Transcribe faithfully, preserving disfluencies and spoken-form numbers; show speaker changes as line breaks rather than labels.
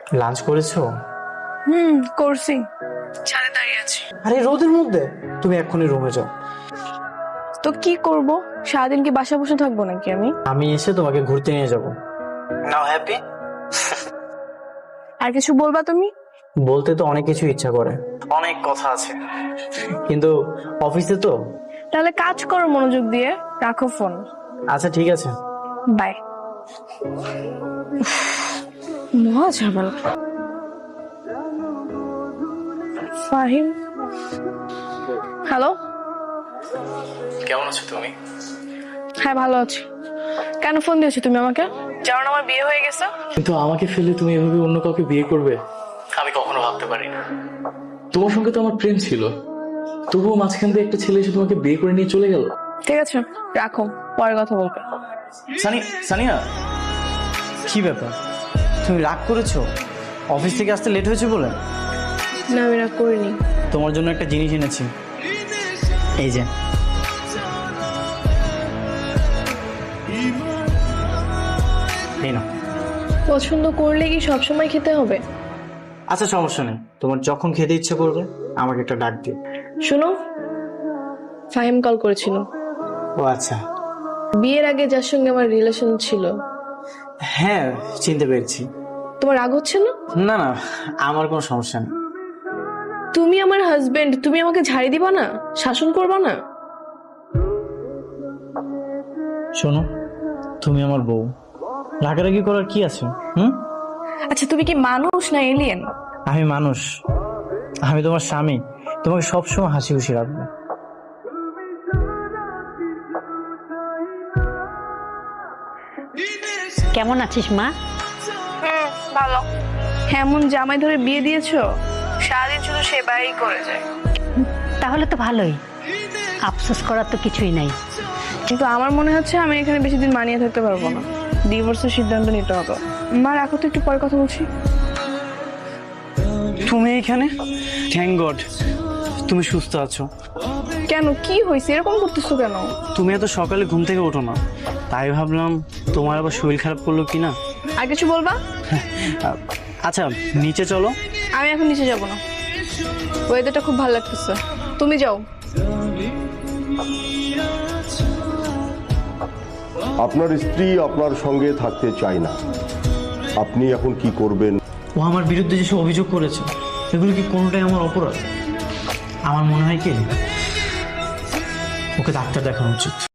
Lunch করেছো?
হুম করছি, ছাদে দাঁড়িয়ে আছি।
আরে রোদের মধ্যে? তুমি এক্ষুনি রুমে যাও।
তো কি করব, সারাদিন কি বাসা বসে থাকবো নাকি আমি?
আমি এসে তোমাকে ঘুরতে নিয়ে যাব। নাও হ্যাপি।
আর কিছু বলবা তুমি?
বলতে তো অনেক কিছু ইচ্ছা করে, অনেক কথা আছে, কিন্তু অফিসে তো।
তাহলে কাজ করো মনোযোগ দিয়ে, রাখো ফোন।
আচ্ছা ঠিক আছে।
বাই। মহা ঝামেলা। ফাহিম, হ্যালো।
কেমন আছো তুমি?
হ্যাঁ ভালো আছি। কেন ফোন দিয়েছো তুমি আমাকে? জানো আমার বিয়ে হয়ে গেছে?
কিন্তু আমাকে ফেলে তুমি এভাবে অন্য কাউকে বিয়ে করবে, আমি কখনো ভাবতে পারি না। তোমার সঙ্গে তো আমার প্রেম ছিল, তবুও মাঝখান দিয়ে একটা ছেলে এসে তোমাকে বিয়ে করে নিয়ে চলে গেল।
ঠিক আছে রাখো, পরে কথা বলবে।
সানি, সানিয়া, কি ব্যাপার? তুমি রাগ করেছো অফিস থেকে আসতে লেট হয়েছে বলে?
না আমি রাগ করিনি।
তোমার জন্য একটা জিনিস এনেছি, এই যে। এই নাও।
পছন্দ করলে কি সবসময় খেতে হবে?
আচ্ছা সমস্যা নেই, তোমার যখন খেতে ইচ্ছে করবে আমাকে একটা ডাক দিও।
শোনো, ফাহিম কল করেছিল।
ও আচ্ছা।
বিয়ের আগে যার সঙ্গে আমার রিলেশন ছিল।
হ্যাঁ চিনতে পেরেছি।
তোমার রাগ হচ্ছে না?
না না, আমার কোনো সমস্যা নেই।
তুমি আমার হাজবেন্ড, তুমি আমাকে ঝাড়ি দিবা না, শাসন করবা না?
শোনো, তুমি আমার বউ, রাগারাগি করার কি আছে? হুম।
আচ্ছা তুমি কি মানুষ না এলিয়েন?
আমি মানুষ, আমি তোমার স্বামী, তোমাকে সবসময় হাসি খুশি রাখবো।
কেমন আছিস মা?
হুম ভালো। এমন জামাই ধরে বিয়ে দিয়েছো, সারাদিন শুধু সেবাই করে যায়।
তাহলে তো ভালোই, আফসোস করার তো কিছুই নাই।
কিন্তু আমার মনে হচ্ছে আমি এখানে বেশি দিন মানিয়ে থাকতে পারবো না, ডিভোর্সের সিদ্ধান্ত নিতে হবে। মা রাখো তো, একটু পরে কথা বলছি।
তুমি এখানে? থ্যাংক গড তুমি সুস্থ আছো।
কেন, কি হয়েছে, এরকম করতেছো কেন?
তুমি এত সকালে ঘুম থেকে ওঠো না, তাই ভাবলাম তোমার আবার শরীর খারাপ করলো কিনা।
আর কিছু বলবা?
আচ্ছা নিচে চলো।
আমি এখন নিচে যাব না, ওয়েদারটা খুব ভালো লাগতেছে, তুমি যাও।
আপনার স্ত্রী আপনার সঙ্গে থাকতে চায় না, আপনি এখন কি করবেন?
ও আমার বিরুদ্ধে যেসব অভিযোগ করেছে এগুলো কি কোনোটাই আমার অপরাধ? আমার মনে হয় কি ওকে ডাক্তার দেখানো উচিত।